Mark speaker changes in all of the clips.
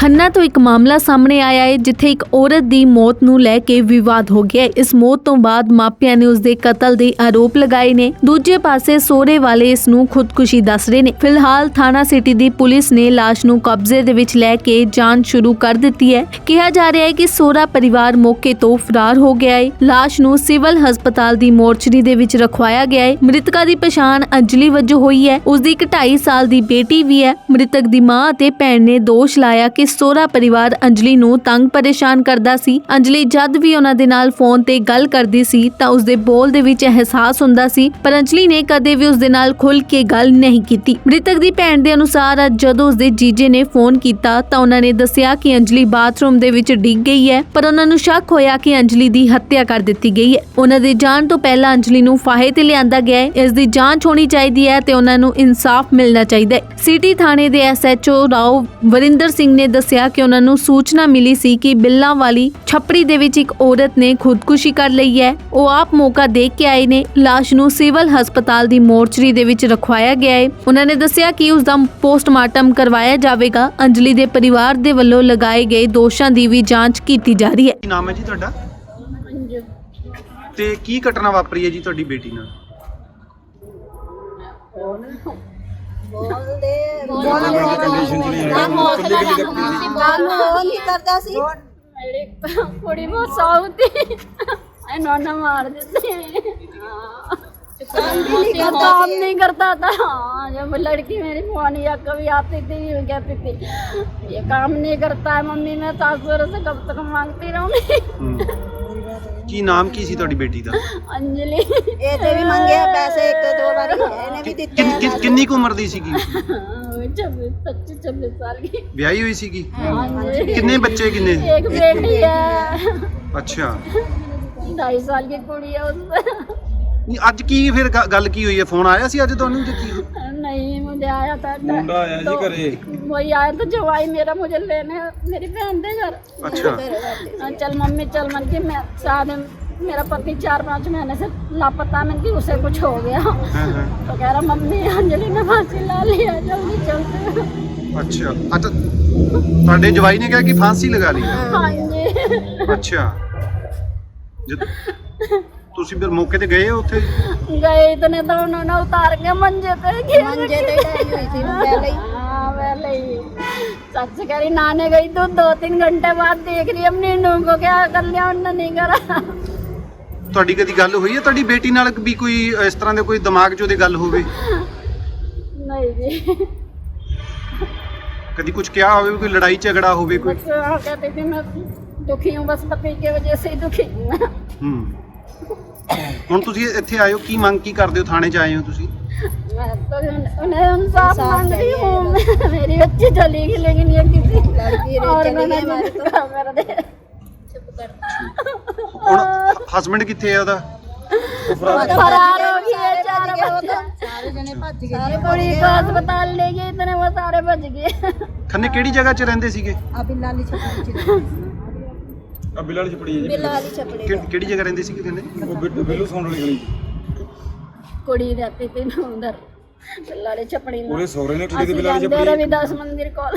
Speaker 1: ਖੰਨਾ ਤੋਂ ਇੱਕ ਮਾਮਲਾ ਸਾਹਮਣੇ ਆਇਆ ਹੈ ਜਿੱਥੇ ਇੱਕ ਔਰਤ ਦੀ ਮੌਤ ਨੂੰ ਲੈ ਕੇ ਵਿਵਾਦ ਹੋ ਗਿਆ ਹੈ। ਇਸ ਮੌਤ ਤੋਂ ਬਾਅਦ ਮਾਪਿਆਂ ਨੇ ਉਸ ਦੇ ਕਤਲ ਦੇ ਆਰੋਪ ਲਗਾਏ ਨੇ। ਦੂਜੇ ਪਾਸੇ ਸਹੁਰੇ ਵਾਲੇ ਇਸ ਨੂੰ ਖੁਦਕੁਸ਼ੀ ਦੱਸ ਰਹੇ ਨੇ। ਫਿਲਹਾਲ ਥਾਣਾ ਸਿਟੀ ਦੀ ਪੁਲਿਸ ਨੇ ਲਾਸ਼ ਨੂੰ ਕਬਜ਼ੇ ਦੇ ਵਿੱਚ ਲੈ ਕੇ ਜਾਂਚ ਸ਼ੁਰੂ ਕਰ ਦਿੱਤੀ ਹੈ। ਕਿਹਾ ਜਾ ਰਿਹਾ ਹੈ ਕਿ ਸਹੁਰਾ ਪਰਿਵਾਰ ਮੌਕੇ ਤੋਂ ਫਰਾਰ ਹੋ ਗਿਆ ਹੈ। ਲਾਸ਼ ਨੂੰ ਸਿਵਲ ਹਸਪਤਾਲ ਦੀ ਮੋਰਚਰੀ ਦੇ ਵਿੱਚ ਰਖਵਾਇਆ ਗਿਆ ਹੈ। ਮ੍ਰਿਤਕਾ ਦੀ ਪਛਾਣ ਅੰਜਲੀ ਵਜੋਂ ਹੋਈ ਹੈ। ਉਸ ਦੀ ਇੱਕ 2.5 ਸਾਲ ਦੀ ਬੇਟੀ ਵੀ ਹੈ। ਮ੍ਰਿਤਕ ਦੀ ਮਾਂ ਅਤੇ ਭੈਣ ਨੇ ਦੋਸ਼ ਲਾਇਆ ਕਿ ਸਹੁਰਾ ਪਰਿਵਾਰ ਅੰਜਲੀ ਨੂੰ ਤੰਗ ਪਰੇਸ਼ਾਨ ਕਰਦਾ ਸੀ। ਅੰਜਲੀ ਜਦ ਵੀ ਉਹਨਾਂ ਦੇ ਨਾਲ ਫੋਨ ਤੇ ਗੱਲ ਕਰਦੀ ਸੀ ਤਾਂ ਉਸ ਦੇ ਬੋਲ ਦੇ ਵਿੱਚ ਅਹਿਸਾਸ ਹੁੰਦਾ ਸੀ, ਪਰ ਅੰਜਲੀ ਨੇ ਕਦੇ ਵੀ ਉਸ ਦੇ ਨਾਲ ਖੁੱਲ ਕੇ ਗੱਲ ਨਹੀਂ ਕੀਤੀ। ਮ੍ਰਿਤਕ ਦੀ ਭੈਣ ਦੇ ਅਨੁਸਾਰ ਜਦੋਂ ਉਸ ਦੇ ਜੀਜੇ ਨੇ ਫੋਨ ਕੀਤਾ ਤਾਂ ਉਹਨਾਂ ਨੇ ਦੱਸਿਆ ਕਿ ਅੰਜਲੀ ਬਾਥਰੂਮ ਦੇ ਵਿੱਚ ਡਿੱਗ ਗਈ ਹੈ, ਪਰ ਉਹਨਾਂ ਨੂੰ ਸ਼ੱਕ ਹੋਇਆ ਕਿ ਅੰਜਲੀ ਦੀ ਹੱਤਿਆ ਕਰ ਦਿੱਤੀ ਗਈ ਹੈ। ਉਹਨਾਂ ਦੇ ਜਾਣ ਤੋਂ ਪਹਿਲਾਂ ਅੰਜਲੀ ਨੂੰ ਫਾਹੇ ਤੇ ਲਿਆਂਦਾ ਗਿਆ ਹੈ। ਇਸ ਦੀ ਜਾਂਚ ਹੋਣੀ ਚਾਹੀਦੀ ਹੈ ਤੇ ਉਹਨਾਂ ਨੂੰ ਇਨਸਾਫ ਮਿਲਣਾ ਚਾਹੀਦਾ ਹੈ। ਸਿਟੀ ਥਾਣੇ ਦੇ SHO ਰਾਓ ਵਰਿੰਦਰ ਸਿੰਘ ਨੇ ਦੱਸਿਆ ਕਿ ਉਹਨਾਂ ਨੂੰ ਸੂਚਨਾ ਮਿਲੀ ਸੀ ਕਿ ਬਿੱਲਾਂ ਵਾਲੀ ਛੱਪੜੀ ਦੇ ਵਿੱਚ ਇੱਕ ਔਰਤ ਨੇ ਖੁਦਕੁਸ਼ੀ ਕਰ ਲਈ ਹੈ। ਉਹ ਆਪ ਮੌਕਾ ਦੇਖ ਕੇ ਆਏ ਨੇ। ਲਾਸ਼ ਨੂੰ ਸਿਵਲ ਹਸਪਤਾਲ ਦੀ ਮੋਰਚਰੀ ਦੇ ਵਿੱਚ ਰਖਵਾਇਆ ਗਿਆ ਹੈ। ਉਹਨਾਂ ਨੇ ਦੱਸਿਆ ਕਿ ਉਸ ਦਾ ਪੋਸਟਮਾਰਟਮ ਕਰਵਾਇਆ ਜਾਵੇਗਾ। ਅੰਜਲੀ ਦੇ ਪਰਿਵਾਰ ਦੇ ਵੱਲੋਂ ਲਗਾਏ ਗਏ ਦੋਸ਼ਾਂ ਦੀ ਵੀ ਜਾਂਚ ਕੀਤੀ ਜਾ ਰਹੀ ਹੈ।
Speaker 2: ਕੀ ਨਾਮ ਹੈ ਜੀ ਤੁਹਾਡਾ ਤੇ ਕੀ ਘਟਨਾ ਵਾਪਰੀ ਹੈ ਜੀ ਤੁਹਾਡੀ ਬੇਟੀ ਨਾਲ?
Speaker 3: कुड़ी बहुत साउथ नौना मार देते काम नहीं करता था। जब लड़की मेरी मोनिया कभी आती थी कहती थी ये काम नहीं करता है मम्मी, मैं सासुर से कब तक मांगती रहूंगी।
Speaker 2: ਕੀ ਨਾਮ ਕੀ ਸੀ ਤੁਹਾਡੀ ਬੇਟੀ ਦਾ?
Speaker 3: अंजलि
Speaker 4: ਇਹ ਤੇ ਵੀ ਮੰਗਿਆ ਪੈਸੇ ਇੱਕ ਦੋ ਵਾਰੀ ਇਹਨੇ ਵੀ ਦਿੱਤੇ ਆ।
Speaker 2: ਕਿੰਨੀ ਕੁ ਉਮਰ ਦੀ ਸੀਗੀ?
Speaker 3: 25-26 साल की।
Speaker 2: ਵਿਆਹੀ ਹੋਈ ਸੀਗੀ?
Speaker 3: हाँ जी।
Speaker 2: ਕਿੰਨੇ ਬੱਚੇ ਕਿੰਨੇ?
Speaker 3: एक बेटी है।
Speaker 2: ਅੱਛਾ।
Speaker 3: 2.5 साल की कुड़ी है उसमें।
Speaker 2: ਨਹੀਂ ਅੱਜ ਕੀ ਫਿਰ ਗੱਲ ਕੀ ਹੋਈ ਹੈ? ਫੋਨ ਆਇਆ ਸੀ ਅੱਜ ਤੁਹਾਨੂੰ ਜਾਂ ਕੀ?
Speaker 3: नहीं मुझे आया था
Speaker 5: मुंडा आया जी घरे।
Speaker 3: वही आया तो जवाई मेरा मुझे लेने मेरी बहन दे घर।
Speaker 2: अच्छा।
Speaker 3: चल मम्मी चल, मन की मैं शादी मेरा पति 4-5 महीने से लापता, मन की उसे कुछ हो गया। तो कह रहा मम्मी अंजलि ने फांसी ला लिया, जल्दी चलते।
Speaker 2: ਅੱਛਾ ਅੱਛਾ ਤੁਹਾਡੇ ਜਵਾਈ ਨੇ ਕਿਹਾ ਕਿ ਫਾਂਸੀ ਲਗਾ ਲਈ?
Speaker 3: हाँ जी।
Speaker 2: ਅੱਛਾ। ਤੁਸੀਂ ਫਿਰ ਮੌਕੇ ਤੇ ਗਏ ਉੱਥੇ?
Speaker 3: गए इतने तो उन्होंने उतार के मंजे पे
Speaker 4: ਮੰਜੇ ਤੇ ਡਾਈ ਹੋਈ ਸੀ ਪਹਿਲੇ ਹੀ।
Speaker 3: हाँ पहले ही सच कह रही नहाने गई तो 2-3 घंटे बाद देख रही अपनी नूह को क्या कर लिया उन्होंने नहीं करा।
Speaker 2: ਤੁਹਾਡੀ ਕਦੀ ਗੱਲ ਹੋਈ ਹੈ ਤੁਹਾਡੀ ਬੇਟੀ ਨਾਲ ਵੀ ਕੋਈ ਇਸ ਤਰ੍ਹਾਂ ਦੇ ਕੋਈ ਦਿਮਾਗ 'ਚ ਉਹਦੇ ਗੱਲ ਹੋਵੇ?
Speaker 3: नहीं जी।
Speaker 2: ਕਦੀ ਕੁਝ ਕਿਹਾ ਹੋਵੇ, ਕੋਈ ਲੜਾਈ ਝਗੜਾ ਹੋਵੇ ਕੋਈ?
Speaker 3: बस हाँ कहती थी मैं दुखी हूँ, बस पति की वजह से ही दुखी हूँ मैं।
Speaker 2: ਹੁਣ ਤੁਸੀਂ ਇੱਥੇ ਆਏ ਹੋ, ਕੀ ਮੰਗ ਕੀ ਕਰਦੇ ਹੋ? ਥਾਣੇ 'ਚ ਆਏ ਹੋ ਤੁਸੀਂ?
Speaker 3: मैं तो उन्हें इंसाफ मांग रही हूँ। मेरी बच्ची चली गई लेकिन ये किसी
Speaker 4: लड़की
Speaker 3: और
Speaker 4: चली
Speaker 3: मैंने
Speaker 4: गई हमारे तो।
Speaker 3: कर दे।
Speaker 2: ਹੁਣ ਹਸਬੰਡ ਕਿੱਥੇ ਹੈ ਉਹਦਾ?
Speaker 3: फरार हो गई है, 4 बच्चे।
Speaker 4: ਸਾਰੇ ਜਣੇ ਭੱਜ ਗਏ।
Speaker 3: सारी कुड़ी को अस्पताल ले गए, इतने वो सारे बच गए।
Speaker 2: ਖੰਨੇ ਕਿਹੜੀ ਜਗ੍ਹਾ 'ਚ ਰਹਿੰਦੇ ਸੀਗੇ?
Speaker 4: ਆ ਬਿੱਲਾ ਵਾਲੀ ਛਪੜੀ ਚ
Speaker 5: ਆ ਬਿੱਲ ਵਾਲੀ ਛਪੜੀ ਹੈ ਜੀ।
Speaker 4: ਬਿੱਲਾ ਵਾਲੀ ਛਪੜੀ
Speaker 2: ਕਿਹੜੀ ਜਗ੍ਹਾ ਰਹਿੰਦੇ ਸੀਗੇ ਖੰਨੇ?
Speaker 5: ਉਹ ਬਿੱਲੂ ਸੌਣ ਵਾਲੀ ਗਲੀ।
Speaker 3: कुड़ी रहती थी ना उधर बिल्लाड़ी छपड़ी में।
Speaker 5: ਉਹਦੇ ਸਹੁਰੇ ਨੇ ਠੇਕੇ ਦੇ ਬਿੱਲ ਵਾਲੀ
Speaker 3: असि
Speaker 5: ਛਪੜੀ।
Speaker 3: रविदास मंदिर को।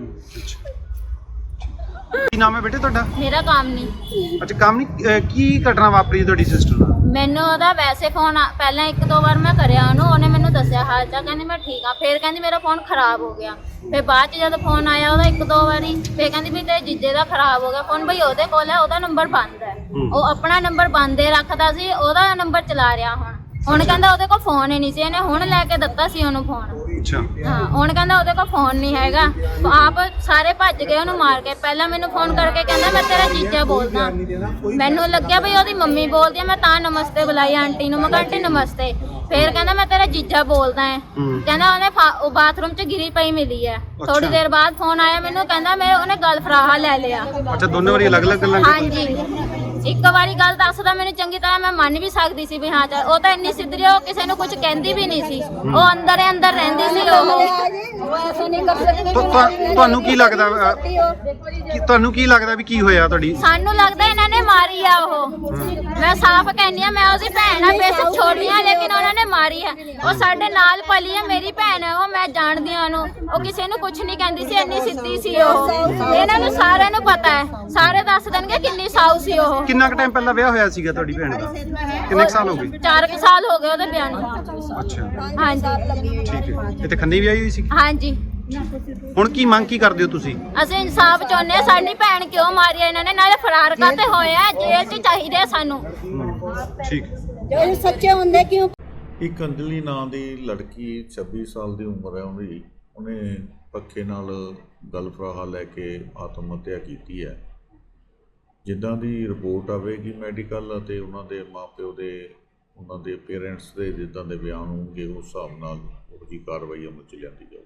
Speaker 2: ਕੀ ਨਾਮ ਹੈ ਬੇਟੇ ਤੁਹਾਡਾ?
Speaker 6: ਮੇਰਾ ਕੰਮ ਨਹੀਂ।
Speaker 2: ਅੱਛਾ ਕੰਮ ਨਹੀਂ। ਕੀ ਘਟਨਾ ਵਾਪਰੀ ਤੁਹਾਡੀ ਸਿਸਟਰ ਨਾਲ?
Speaker 6: ਮੈਨੂੰ ਉਹਦਾ ਵੈਸੇ ਫੋਨ ਪਹਿਲਾਂ 1-2 ਵਾਰ ਮੈਂ ਕਰਿਆ ਉਹਨੇ ਮੈਨੂੰ ਦੱਸਿਆ ਹਾਲ ਚਾਲ, ਕਹਿੰਦੀ ਮੈਂ ਠੀਕ ਆ। ਫਿਰ ਕਹਿੰਦੀ ਮੇਰਾ ਫੋਨ ਖਰਾਬ ਹੋ ਗਿਆ। ਫਿਰ ਬਾਅਦ 'ਚ ਜਦ ਫੋਨ ਆਇਆ ਉਹਦਾ 1-2 ਵਾਰੀ, ਫਿਰ ਕਹਿੰਦੀ ਵੀ ਤੇਰੇ ਜੀਜੇ ਦਾ ਖਰਾਬ ਹੋ ਗਿਆ ਫੋਨ। ਬਈ ਉਹਦੇ ਕੋਲ ਹੈ, ਉਹਦਾ ਨੰਬਰ ਬੰਦ ਹੈ। ਉਹ ਆਪਣਾ ਨੰਬਰ ਬੰਦ ਹੀ ਰੱਖਦਾ ਸੀ, ਉਹਦਾ ਨੰਬਰ ਚਲਾ ਰਿਹਾ ਹੁਣ ਕਹਿੰਦਾ ਉਹਦੇ ਕੋਲ ਫੋਨ ਹੀ ਨਹੀਂ ਸੀ। ਇਹਨੇ ਹੁਣ ਲੈ ਕੇ ਦਿੱਤਾ ਸੀ ਉਹਨੂੰ ਫੋਨ।
Speaker 2: ਅੱਛਾ।
Speaker 6: ਹਾਂ ਹੁਣ ਕਹਿੰਦਾ ਉਹਦੇ ਕੋਲ ਫੋਨ ਨਹੀਂ ਹੈਗਾ। ਆਪ ਸਾਰੇ ਭੱਜ ਗਏ ਉਹਨੂੰ ਮਾਰ ਕੇ। ਪਹਿਲਾਂ ਮੈਨੂੰ ਫੋਨ ਕਰਕੇ ਕਹਿੰਦਾ ਮੈਂ ਤੇਰਾ ਜੀਜਾ ਬੋਲਦਾ। ਮੈਨੂੰ ਲੱਗਿਆ ਵੀ ਉਹਦੀ ਮੰਮੀ ਬੋਲਦੀ ਆ, ਮੈਂ ਤਾਂ ਨਮਸਤੇ ਬੁਲਾਈ ਆਂਟੀ ਨੂੰ। ਮੈਂ ਕਿਹਾ ਆਂਟੀ ਨਮਸਤੇ। ਫਿਰ ਕਹਿੰਦਾ ਮੈਂ ਤੇਰਾ ਜੀਜਾ ਬੋਲਦਾ ਹੈ। ਕਹਿੰਦਾ ਉਹਨੇ ਬਾਥਰੂਮ 'ਚ ਗਿਰੀ ਪਈ ਮਿਲੀ ਹੈ। ਥੋੜੀ ਦੇਰ ਬਾਅਦ ਫੋਨ ਆਇਆ ਮੈਨੂੰ, ਕਹਿੰਦਾ ਉਹਨੇ ਗਲ ਫਰਾਹਾ ਲੈ ਲਿਆ।
Speaker 2: ਅੱਛਾ ਦੋਨੇ ਵਾਰੀ ਅਲੱਗ-ਅਲੱਗ ਗੱਲਾਂ?
Speaker 6: ਹਾਂਜੀ ਇੱਕ ਵਾਰੀ ਗੱਲ ਦੱਸਦਾ ਮੈਨੂੰ ਚੰਗੀ ਤਰ੍ਹਾਂ ਮੈਂ ਮੰਨ ਵੀ ਸਕਦੀ ਸੀ ਵੀ ਹਾਂ ਚੱਲ ਉਹ ਤਾਂ ਇੰਨੀ ਸਿੱਧਰੀ ਉਹ ਕਿਸੇ ਨੂੰ ਕੁਝ ਕਹਿੰਦੀ ਵੀ ਨਹੀਂ ਸੀ ਉਹ ਅੰਦਰ ਹੀ ਅੰਦਰ ਰਹਿੰਦੀ ਸੀ ਉਹ
Speaker 3: ऐसे नहीं कर सकते
Speaker 2: ਤੁਹਾਨੂੰ ਕੀ ਲੱਗਦਾ ਤੁਹਾਨੂੰ ਕੀ ਲੱਗਦਾ ਵੀ ਕੀ ਹੋਇਆ ਤੁਹਾਡੀ
Speaker 6: ਸਾਨੂੰ ਲੱਗਦਾ ਇਹਨਾਂ ਨੇ ਮਾਰੀ ਆ ਉਹ ਮੈਂ ਸਾਫ਼ ਕਹਿੰਦੀ ਆ ਮੈਂ ਉਹਦੀ ਭੈਣ ਆ ਬੇਸ਼ੱਕ ਛੋਟੀ ਆ ਲੇਕਿਨ ਉਹਨਾਂ ਨੇ ਮਾਰੀ ਆ ਉਹ ਸਾਡੇ ਨਾਲ ਪਲੀ ਆ ਮੇਰੀ ਭੈਣ ਆ ਉਹ ਮੈਂ ਜਾਣਦੀ ਆ ਉਹਨੂੰ ਉਹ ਕਿਸੇ ਨੂੰ ਕੁਝ ਨਹੀਂ ਕਹਿੰਦੀ ਸੀ ਇੰਨੀ ਸਿੱਧੀ ਸੀ ਉਹ ਇਹਨਾਂ ਨੂੰ ਸਾਰਿਆਂ ਨੂੰ ਪਤਾ ਹੈ ਸਾਰੇ ਦੱਸ ਦੇਣਗੇ ਕਿੰਨੀ ਸਾਊ ਸੀ ਉਹ
Speaker 2: ਕਿੰਨਾ ਕੁ ਟਾਈਮ ਪਹਿਲਾਂ ਵਿਆਹ ਹੋਇਆ ਸੀਗਾ ਤੁਹਾਡੀ ਭੈਣ ਦਾ ਕਿੰਨੇ ਕੁ ਸਾਲ ਹੋ ਗਏ
Speaker 6: 4 ਸਾਲ ਹੋ ਗਏ ਉਹਦੇ ਵਿਆਹ ਨੂੰ
Speaker 2: ਅੱਛਾ
Speaker 6: ਹਾਂਜੀ
Speaker 2: ਠੀਕ ਹੈ ਇੱਥੇ ਖੰਨੇ ਵਿਆਹੀ ਹੋਈ ਸੀ
Speaker 6: ਹਾਂਜੀ
Speaker 2: ਹੁਣ ਕੀ ਮੰਗ ਕੀ ਕਰਦੇ ਹੋ ਤੁਸੀਂ
Speaker 6: ਅਸੀਂ ਇਨਸਾਫ ਚਾਹੁੰਦੇ ਹਾਂ ਸਾਡੀ ਭੈਣ ਕਿਉਂ ਮਾਰੀ ਆ ਇਹਨਾਂ ਨੇ ਨਾਲੇ ਫਰਾਰ ਕਾਤੇ ਹੋਏ ਆ ਜੇਲ੍ਹ 'ਚ ਚਾਹੀਦੇ ਆ ਸਾਨੂੰ
Speaker 2: ਠੀਕ
Speaker 4: ਜੋ ਸੱਚੇ ਹੁੰਦੇ ਕਿਉਂ
Speaker 7: ਇੱਕ ਅੰਜਲੀ ਨਾਂ ਦੀ ਲੜਕੀ 26 ਸਾਲ ਦੀ ਉਮਰ ਹੈ ਉਹਨੇ ਪੱਖੇ ਨਾਲ ਗਲਫਰਾਹਾ ਲੈ ਕੇ ਆਤਮ ਹੱਤਿਆ ਕੀਤੀ ਹੈ। ਜਿੱਦਾਂ ਦੀ ਰਿਪੋਰਟ ਆਵੇਗੀ ਮੈਡੀਕਲ ਅਤੇ ਉਹਨਾਂ ਦੇ ਮਾਪਿਓ ਦੇ ਉਹਨਾਂ ਦੇ ਪੇਰੈਂਟਸ ਦੇ ਜਿੱਦਾਂ ਦੇ ਬਿਆਨ ਹੋਣਗੇ ਉਸ ਹਿਸਾਬ ਨਾਲ ਉਹ ਜੀ ਕਾਰਵਾਈ ਅਮਲ 'ਚ ਲਿਆਂਦੀ ਜਾਊਗੀ।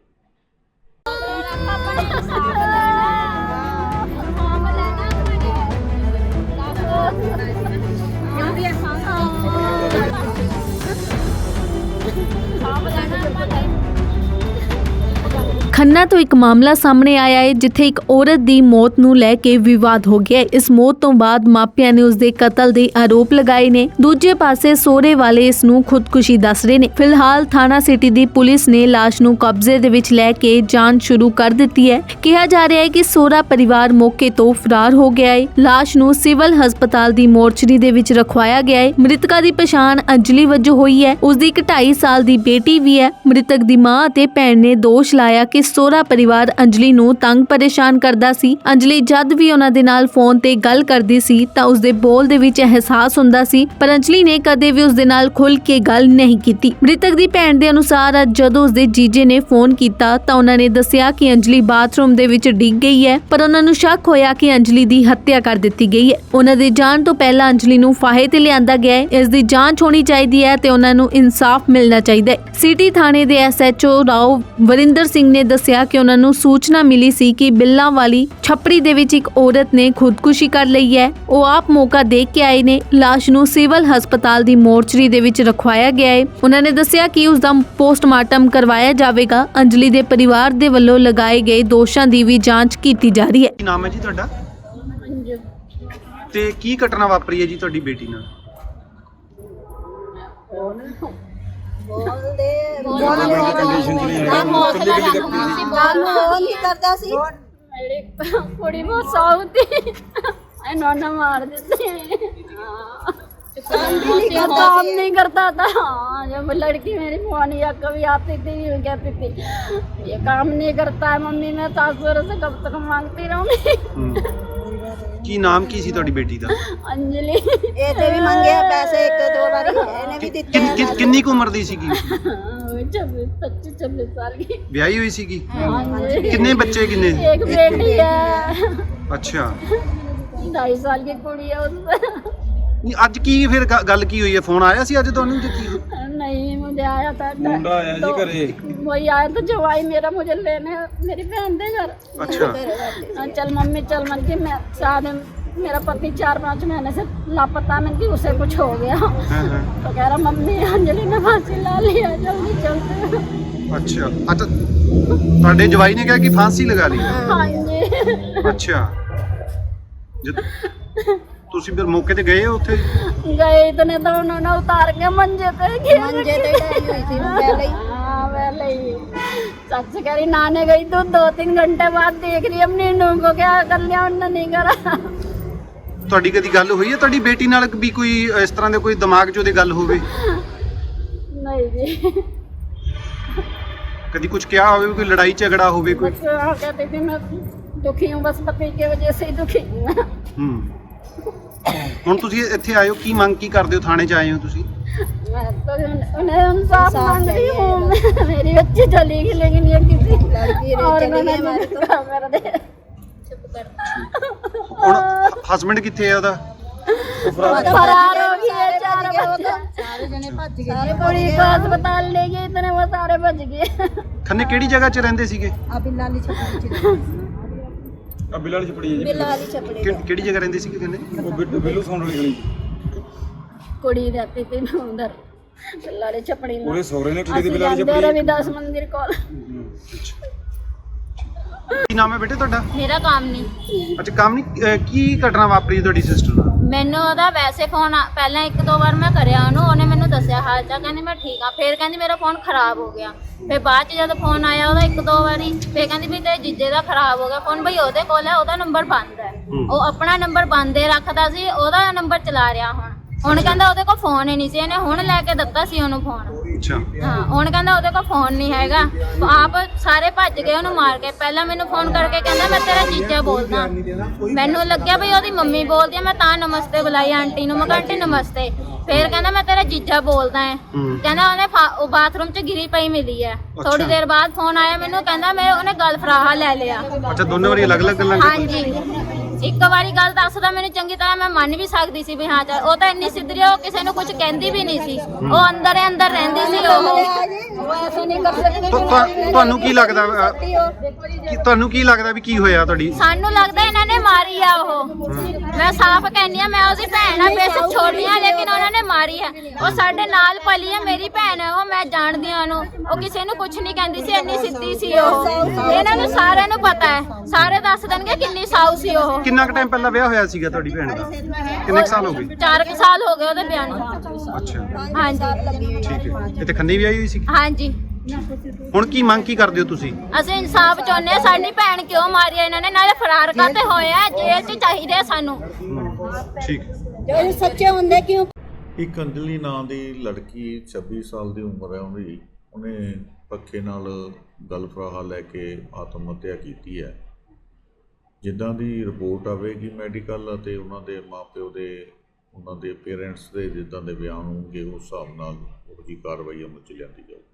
Speaker 1: ਖੰਨਾ ਤੋਂ ਇੱਕ ਮਾਮਲਾ ਸਾਹਮਣੇ ਆਇਆ ਹੈ ਜਿੱਥੇ ਇੱਕ ਔਰਤ ਦੀ ਮੌਤ ਨੂੰ ਲੈ ਕੇ ਵਿਵਾਦ ਹੋ ਗਿਆ ਹੈ। ਇਸ ਮੌਤ ਤੋਂ ਬਾਅਦ ਮਾਪਿਆਂ ਨੇ ਉਸ ਦੇ ਕਤਲ ਦੇ ਆਰੋਪ ਲਗਾਏ ਨੇ। ਦੂਜੇ ਪਾਸੇ ਸਹੁਰੇ ਵਾਲੇ ਇਸ ਨੂੰ ਖੁਦਕੁਸ਼ੀ ਦੱਸ ਰਹੇ ਨੇ। ਫਿਲਹਾਲ ਥਾਣਾ ਸਿਟੀ ਦੀ ਪੁਲਿਸ ਨੇ ਲਾਸ਼ ਨੂੰ ਕਬਜ਼ੇ ਦੇ ਵਿੱਚ ਲੈ ਕੇ ਜਾਂਚ ਸ਼ੁਰੂ ਕਰ ਦਿੱਤੀ ਹੈ। ਕਿਹਾ ਜਾ ਰਿਹਾ ਹੈ ਕਿ ਸਹੁਰਾ ਪਰਿਵਾਰ ਮੌਕੇ ਤੋਂ ਫਰਾਰ ਹੋ ਗਿਆ ਹੈ। ਲਾਸ਼ ਨੂੰ ਸਿਵਲ ਹਸਪਤਾਲ ਦੀ ਮੋਰਚਰੀ ਦੇ ਵਿੱਚ ਰਖਵਾਇਆ ਗਿਆ ਹੈ। ਮ੍ਰਿਤਕਾ ਦੀ ਪਛਾਣ ਅੰਜਲੀ ਵਜੋਂ ਹੋਈ ਹੈ। ਉਸ ਦੀ ਇੱਕ 2.5 ਸਾਲ ਦੀ ਬੇਟੀ ਵੀ ਹੈ। ਮ੍ਰਿਤਕ ਦੀ ਮਾਂ ਅਤੇ ਭੈਣ ਨੇ ਦੋਸ਼ ਲਾਇਆ ਕਿ ਸਹੁਰਾ ਪਰਿਵਾਰ ਅੰਜਲੀ ਨੂੰ ਤੰਗ ਪਰੇਸ਼ਾਨ ਕਰਦਾ ਸੀ। ਅੰਜਲੀ ਜਦ ਵੀ ਉਹਨਾਂ ਦੇ ਨਾਲ ਫੋਨ ਤੇ ਗੱਲ ਕਰਦੀ ਸੀ ਤਾਂ ਉਸ ਦੇ ਬੋਲ ਦੇ ਵਿੱਚ ਅਹਿਸਾਸ ਹੁੰਦਾ ਸੀ, ਪਰ ਅੰਜਲੀ ਨੇ ਕਦੇ ਵੀ ਉਸ ਦੇ ਨਾਲ ਖੁੱਲ ਕੇ ਗੱਲ ਨਹੀਂ ਕੀਤੀ। ਮ੍ਰਿਤਕ ਦੀ ਭੈਣ ਦੇ ਅਨੁਸਾਰ ਜਦੋਂ ਉਸ ਦੇ ਜੀਜੇ ਨੇ ਫੋਨ ਕੀਤਾ ਤਾਂ ਉਹਨਾਂ ਨੇ ਦੱਸਿਆ ਕਿ ਅੰਜਲੀ ਬਾਥਰੂਮ ਦੇ ਵਿੱਚ ਡਿੱਗ ਗਈ ਹੈ, ਪਰ ਉਹਨਾਂ ਨੂੰ ਸ਼ੱਕ ਹੋਇਆ ਕਿ ਅੰਜਲੀ ਦੀ ਹੱਤਿਆ ਕਰ ਦਿੱਤੀ ਗਈ ਹੈ। ਉਹਨਾਂ ਦੇ ਜਾਣ ਤੋਂ ਪਹਿਲਾਂ ਅੰਜਲੀ ਨੂੰ ਫਾਹੇ ਤੇ ਲਿਆਂਦਾ ਗਿਆ ਹੈ। ਇਸ ਦੀ ਜਾਂਚ ਹੋਣੀ ਚਾਹੀਦੀ ਹੈ ਤੇ ਉਹਨਾਂ ਨੂੰ ਇਨਸਾਫ ਮਿਲਣਾ ਚਾਹੀਦਾ ਹੈ। ਸਿਟੀ ਥਾਣੇ ਦੇ SHO ਰਾਓ ਵਰਿੰਦਰ ਸਿੰਘ ਨੇ ਦੱਸਿਆ ਕਿ ਉਹਨਾਂ ਨੂੰ ਸੂਚਨਾ ਮਿਲੀ ਸੀ ਕਿ ਬਿੱਲਾਂ ਵਾਲੀ ਛੱਪੜੀ ਦੇ ਵਿੱਚ ਇੱਕ ਔਰਤ ਨੇ ਖੁਦਕੁਸ਼ੀ ਕਰ ਲਈ ਹੈ। ਉਹ ਆਪ ਮੌਕਾ ਦੇਖ ਕੇ ਆਏ ਨੇ। ਲਾਸ਼ ਨੂੰ ਸਿਵਲ ਹਸਪਤਾਲ ਦੀ ਮੋਰਚਰੀ ਦੇ ਵਿੱਚ ਰਖਵਾਇਆ ਗਿਆ ਹੈ। ਉਹਨਾਂ ਨੇ ਦੱਸਿਆ ਕਿ ਉਸ ਦਾ ਪੋਸਟਮਾਰਟਮ ਕਰਵਾਇਆ ਜਾਵੇਗਾ। ਅੰਜਲੀ ਦੇ ਪਰਿਵਾਰ ਦੇ ਵੱਲੋਂ ਲਗਾਏ ਗਏ ਦੋਸ਼ਾਂ ਦੀ ਵੀ ਜਾਂਚ ਕੀਤੀ ਜਾ ਰਹੀ ਹੈ।
Speaker 2: ਕੀ ਨਾਮ ਹੈ ਜੀ ਤੁਹਾਡਾ ਤੇ ਕੀ ਘਟਨਾ ਵਾਪਰੀ ਹੈ ਜੀ ਤੁਹਾਡੀ ਬੇਟੀ ਨਾਲ
Speaker 4: ਬੋਲਦੇ
Speaker 5: ਕੰਡੀਸ਼ਨ ਚ ਨਹੀਂ
Speaker 4: ਕੰਮ ਉਹ ਨਹੀਂ ਕਰਦਾ ਸੀ
Speaker 3: मेरी कुड़ी बहुत साऊ थी इन्होंने मार देते काम नहीं करता था। जब लड़की मेरी फोन या कभी आती थी कहती थी ये काम नहीं करता है मम्मी, मैं सासुर से कब तक मांगती रहूंगी।
Speaker 2: ਕੀ ਨਾਮ ਕੀ ਸੀ ਤੁਹਾਡੀ ਬੇਟੀ ਦਾ
Speaker 3: अंजलि
Speaker 4: ਇਹ ਤੇ ਵੀ ਮੰਗਿਆ ਪੈਸੇ ਇੱਕ ਦੋ ਵਾਰੀ ਇਹਨੇ ਵੀ ਦਿੱਤੇ
Speaker 2: ਕਿੰਨੀ ਕੁ ਉਮਰ ਦੀ ਸੀਗੀ
Speaker 3: 25-26 साल की।
Speaker 2: ਵਿਆਹੀ ਹੋਈ ਸੀਗੀ
Speaker 3: हाँ जी।
Speaker 2: ਕਿੰਨੇ ਬੱਚੇ ਕਿੰਨੇ
Speaker 3: एक बेटी है,
Speaker 2: ਅੱਛਾ
Speaker 3: 2.5 साल की कुड़ी है उसमें।
Speaker 2: ਨਹੀਂ ਅੱਜ ਕੀ ਫਿਰ ਗੱਲ ਕੀ ਹੋਈ ਹੈ ਫੋਨ ਆਇਆ ਸੀ ਅੱਜ ਤੁਹਾਨੂੰ ਕਿ ਕੀ
Speaker 3: नहीं मुझे आया था
Speaker 5: ਮੁੰਡਾ ਆਇਆ ਜੀ ਘਰੇ
Speaker 3: वही आया तो जवाई मेरा मुझे लेने मेरी बहन दे घर।
Speaker 2: अच्छा
Speaker 3: चल मम्मी चल मन की मैं शायद मेरा पति 4-5 महीने से लापता मन की उसे कुछ हो गया
Speaker 2: हाँ, हाँ।
Speaker 3: तो कह रहा मम्मी अंजलि ने फांसी ला लिया जल्दी चलते।
Speaker 2: ਅੱਛਾ ਅੱਛਾ ਤੁਹਾਡੇ ਜਵਾਈ ਨੇ ਕਿਹਾ ਕਿ ਫਾਂਸੀ ਲਗਾ ਲਈ
Speaker 3: हाँ जी।
Speaker 2: ਅੱਛਾ ਜਦ ਤੁਸੀਂ ਫਿਰ ਮੌਕੇ ਤੇ ਗਏ ਹੋ ਉੱਥੇ
Speaker 3: गए इतने तो उन्होंने उतार के मंजे पे
Speaker 4: ਮੰਜੇ ਤੇ ਲਾਈ ਹੋਈ ਸੀ ਪਹਿਲੇ ਹੀ
Speaker 3: हाँ पहले ही सच कह रही नहाने गई तो 2-3 घंटे बाद देख रही अपनी नूह को क्या कर लिया उन्होंने नहीं करा।
Speaker 2: ਤੁਹਾਡੀ ਕਦੀ ਗੱਲ ਹੋਈ ਹੈ ਤੁਹਾਡੀ ਬੇਟੀ ਨਾਲ ਵੀ ਕੋਈ ਇਸ ਤਰ੍ਹਾਂ ਦੇ ਕੋਈ ਦਿਮਾਗ 'ਚ ਉਹਦੇ ਗੱਲ ਹੋਵੇ
Speaker 3: नहीं जी।
Speaker 2: ਕਦੀ ਕੁਝ ਕਿਹਾ ਹੋਵੇ ਕੋਈ ਲੜਾਈ ਝਗੜਾ ਹੋਵੇ ਕੋਈ
Speaker 3: बस हाँ कहती थी मैं दुखी हूँ बस पति की वजह से ही दुखी हूँ मैं।
Speaker 2: ਹੂੰ ਹੁਣ ਤੁਸੀਂ ਇੱਥੇ ਆਏ ਹੋ ਕੀ ਮੰਗ ਕੀ ਕਰਦੇ ਹੋ ਥਾਣੇ 'ਚ ਆਏ ਹੋ ਤੁਸੀਂ
Speaker 3: मैं तो उन्हें इंसाफ मांग रही हूँ। मेरी बच्ची चली गई लेकिन ये किसी
Speaker 4: लड़की रे
Speaker 3: और
Speaker 4: चली
Speaker 3: मैंने
Speaker 4: गई हमारी तो।
Speaker 3: कर दे।
Speaker 2: ਹੁਣ ਹਸਬੰਡ ਕਿੱਥੇ ਹੈ ਉਹਦਾ
Speaker 3: फरार हो गए 4 बच्चे।
Speaker 4: ਸਾਰੇ ਜਣੇ ਭੱਜ ਗਏ
Speaker 3: सारी कुड़ी को अस्पताल ले गए इतने वो सारे बच गए।
Speaker 2: ਖੰਨੇ ਕਿਹੜੀ ਜਗ੍ਹਾ 'ਚ ਰਹਿੰਦੇ ਸੀਗੇ
Speaker 4: ਆ ਬਿੱਲਾ ਵਾਲੀ ਛੱਪੜੀ ਚ
Speaker 5: ਆ ਬਿੱਲ ਵਾਲੀ ਛਪੜੀ ਹੈ ਜੀ
Speaker 4: ਬਿੱਲ ਵਾਲੀ ਛਪੜੀ
Speaker 2: ਕਿਹੜੀ ਜਗ੍ਹਾ ਰਹਿੰਦੀ ਸੀ ਕਹਿੰਦੇ?
Speaker 5: ਉਹ ਬਿੱਲੂ ਸੌਣ ਵਾਲੀ ਗਲੀ
Speaker 3: ਕੁੜੀ रहती थी मैं उधर बिल्लारे छपड़ी में
Speaker 5: ਉਹਦੇ ਸਹੁਰੇ ਨੇ ਕੁੜੀ ਦੀ
Speaker 3: ਅਸੀਂ
Speaker 5: ਬਿੱਲ ਵਾਲੀ
Speaker 3: ਜਾਂਦੇ
Speaker 5: ਛਪੜੀ
Speaker 3: ਰਵਿਦਾਸ ਮੰਦਿਰ ਕੋਲ
Speaker 2: ਕੀ ਨਾਮ ਹੈ ਬੇਟੇ ਤੁਹਾਡਾ?
Speaker 6: ਮੇਰਾ ਕੰਮ ਨਹੀਂ।
Speaker 2: ਅੱਛਾ ਕੰਮ ਨਹੀਂ, ਕੀ ਘਟਨਾ ਵਾਪਰੀ ਤੁਹਾਡੀ ਸਿਸਟਰ ਨਾਲ?
Speaker 6: ਮੈਨੂੰ ਉਹਦਾ ਵੈਸੇ ਫੋਨ ਪਹਿਲਾਂ ਇੱਕ ਦੋ ਵਾਰ ਮੈਂ ਕਰਿਆ ਉਹਨੇ ਮੈਨੂੰ ਦੱਸਿਆ ਹਾਲ ਚਾਲ, ਕਹਿੰਦੀ ਮੈਂ ਠੀਕ ਆ। ਫਿਰ ਕਹਿੰਦੀ ਮੇਰਾ ਫੋਨ ਖਰਾਬ ਹੋ ਗਿਆ। ਫਿਰ ਬਾਅਦ ਚ ਜਦ ਫੋਨ ਆਇਆ ਉਹਦਾ ਇੱਕ ਦੋ ਵਾਰੀ, ਫਿਰ ਕਹਿੰਦੀ ਵੀ ਤੇਰੇ ਜੀਜੇ ਦਾ ਖਰਾਬ ਹੋ ਗਿਆ ਫੋਨ। ਬਈ ਉਹਦੇ ਕੋਲ ਹੈ, ਉਹਦਾ ਨੰਬਰ ਬੰਦ ਹੈ। ਉਹ ਆਪਣਾ ਨੰਬਰ ਬੰਦ ਹੀ ਰੱਖਦਾ ਸੀ, ਉਹਦਾ ਨੰਬਰ ਚਲਾ ਰਿਹਾ ਹੁਣ ਕਹਿੰਦਾ ਉਹਦੇ ਕੋਲ ਫੋਨ ਹੀ ਨਹੀਂ ਸੀ, ਇਹਨੇ ਹੁਣ ਲੈ ਕੇ ਦਿੱਤਾ ਸੀ ਉਹਨੂੰ ਫੋਨ।
Speaker 2: ਅੱਛਾ
Speaker 6: ਹਾਂ ਹੁਣ ਕਹਿੰਦਾ ਉਹਦੇ ਕੋਲ ਫੋਨ ਨਹੀਂ ਹੈਗਾ। ਆਪ ਸਾਰੇ ਭੱਜ ਗਏ ਉਹਨੂੰ ਮਾਰ ਕੇ। ਪਹਿਲਾਂ ਮੈਨੂੰ ਫੋਨ ਕਰਕੇ ਕਹਿੰਦਾ ਮੈਂ ਤੇਰਾ ਜੀਜਾ ਬੋਲਦਾ। ਮੈਨੂੰ ਲੱਗਿਆ ਵੀ ਉਹਦੀ ਮੰਮੀ ਬੋਲਦੀ ਆ, ਮੈਂ ਤਾਂ ਨਮਸਤੇ ਬੁਲਾਈ ਆਂਟੀ ਨੂੰ। ਮੈਂ ਕਿਹਾ ਆਂਟੀ ਨਮਸਤੇ। ਫਿਰ ਕਹਿੰਦਾ ਮੈਂ ਤੇਰਾ ਜੀਜਾ ਬੋਲਦਾ ਹੈ। ਕਹਿੰਦਾ ਉਹਨੇ ਉਹ ਬਾਥਰੂਮ 'ਚ ਗਿਰੀ ਪਈ ਮਿਲੀ ਹੈ। ਥੋੜੀ ਦੇਰ ਬਾਅਦ ਫੋਨ ਆਇਆ ਮੈਨੂੰ, ਕਹਿੰਦਾ ਉਹਨੇ ਗਲ ਫਰਾਹਾ ਲੈ ਲਿਆ।
Speaker 2: ਅੱਛਾ ਦੋਨੋਂ ਵਾਰੀ ਅਲੱਗ-ਅਲੱਗ ਗੱਲਾਂ
Speaker 6: ਹਾਂਜੀ ਇੱਕ ਵਾਰੀ ਗੱਲ ਦੱਸਦਾ ਮੈਨੂੰ ਚੰਗੀ ਤਰ੍ਹਾਂ, ਮੈਂ ਮੰਨ ਵੀ ਸਕਦੀ ਸੀ ਵੀ ਹਾਂ ਚੱਲ। ਉਹ ਤਾਂ ਇੰਨੀ ਸਿੱਧਰੀ, ਉਹ ਕਿਸੇ ਨੂੰ ਕੁਝ ਕਹਿੰਦੀ ਵੀ ਨਹੀਂ ਸੀ। ਉਹ ਅੰਦਰ ਹੀ ਅੰਦਰ ਰਹਿੰਦੀ ਸੀ।
Speaker 2: ਤੁਹਾਨੂੰ ਕੀ ਲੱਗਦਾ ਤੁਹਾਨੂੰ ਕੀ ਲੱਗਦਾ ਵੀ ਕੀ ਹੋਇਆ ਤੁਹਾਡੀ?
Speaker 6: ਸਾਨੂੰ ਲੱਗਦਾ ਇਹਨਾਂ ਨੇ ਮਾਰੀ ਆ ਉਹ। ਮੈਂ ਸਾਫ਼ ਕਹਿੰਦੀ ਆ, ਮੈਂ ਉਹਦੀ ਭੈਣ ਆ, ਬੇਸ਼ੱਕ ਛੋਟੀ ਆ, ਲੇਕਿਨ ਉਹਨਾਂ ਨੇ ਮਾਰੀ ਆ। ਉਹ ਸਾਡੇ ਨਾਲ ਪਲੀ ਆ, ਮੇਰੀ ਭੈਣ ਆ ਉਹ, ਮੈਂ ਜਾਣਦੀ ਆ ਉਹਨੂੰ। ਉਹ ਕਿਸੇ ਨੂੰ ਕੁਝ ਨਹੀਂ ਕਹਿੰਦੀ ਸੀ, ਇੰਨੀ ਸਿੱਧੀ ਸੀ ਉਹ। ਇਹਨਾਂ ਨੂੰ ਸਾਰਿਆਂ ਨੂੰ ਪਤਾ ਹੈ, ਸਾਰੇ ਦੱਸ ਦੇਣਗੇ ਕਿੰਨੀ ਸਾਊ ਸੀ ਉਹ।
Speaker 2: ਕਿੰਨਾ ਕੁ ਟਾਈਮ ਪਹਿਲਾਂ ਵਿਆਹ ਹੋਇਆ ਸੀਗਾ ਤੁਹਾਡੀ ਭੈਣ ਦਾ? ਕਿੰਨੇ ਕੁ ਸਾਲ ਹੋ ਗਏ?
Speaker 6: 4 ਸਾਲ ਹੋ ਗਏ ਉਹਦੇ ਵਿਆਹ ਨੂੰ।
Speaker 2: ਅੱਛਾ
Speaker 6: ਹਾਂਜੀ
Speaker 2: ਠੀਕ ਹੈ। ਇੱਥੇ ਖੰਨੇ ਵੀ ਆਈ ਹੋਈ ਸੀ?
Speaker 6: ਹਾਂਜੀ
Speaker 2: ਹੁਣ ਕੀ ਮੰਗ ਕੀ ਕਰਦੇ ਹੋ ਤੁਸੀਂ?
Speaker 6: ਅਸੀਂ ਇਨਸਾਫ ਚਾਹੁੰਦੇ ਆ। ਸਾਡੀ ਭੈਣ ਕਿਉਂ ਮਾਰੀ ਆ ਇਹਨਾਂ ਨੇ? ਨਾਲੇ ਫਰਾਰ ਕਾਤੇ ਹੋਏ ਆ? ਜੇਲ੍ਹ 'ਚ ਚਾਹੀਦੇ ਆ ਸਾਨੂੰ।
Speaker 2: ਠੀਕ
Speaker 4: ਜੋ ਸੱਚੇ ਹੁੰਦੇ ਕਿਉਂ?
Speaker 7: ਇੱਕ ਅੰਜਲੀ ਨਾਂ ਦੀ ਲੜਕੀ 26 ਸਾਲ ਦੀ ਉਮਰ ਹੈ ਉਹਦੀ, ਉਹਨੇ ਪੱਖੇ ਨਾਲ ਗਲ ਫਰਾਹਾ ਲੈ ਕੇ ਆਤਮ ਹੱਤਿਆ ਕੀਤੀ ਹੈ। ਜਿੱਦਾਂ ਦੀ ਰਿਪੋਰਟ ਆਵੇਗੀ ਮੈਡੀਕਲ ਅਤੇ ਉਹਨਾਂ ਦੇ ਮਾਪਿਓ ਦੇ, ਉਹਨਾਂ ਦੇ ਪੇਰੈਂਟਸ ਦੇ ਜਿੱਦਾਂ ਦੇ ਬਿਆਨ ਹੋਣਗੇ ਉਸ ਹਿਸਾਬ ਨਾਲ ਉਹ ਜਿਹੀ ਕਾਰਵਾਈ ਅਮਲ 'ਚ ਲਿਆਂਦੀ ਜਾਊਗੀ।